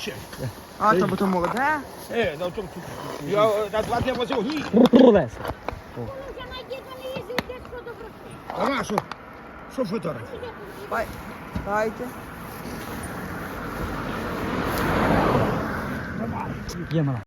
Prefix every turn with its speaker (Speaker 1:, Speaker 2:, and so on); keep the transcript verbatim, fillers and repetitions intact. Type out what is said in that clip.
Speaker 1: ще.
Speaker 2: А, то бо то молоде.
Speaker 1: Е, на тому тут. Я е, на два дні возив гній.
Speaker 3: Рулеса.
Speaker 4: Вже найдіть, вони їздять, де що добре.
Speaker 1: А на що? Що фотограф?
Speaker 2: Бай. Дайте.
Speaker 3: Є мала.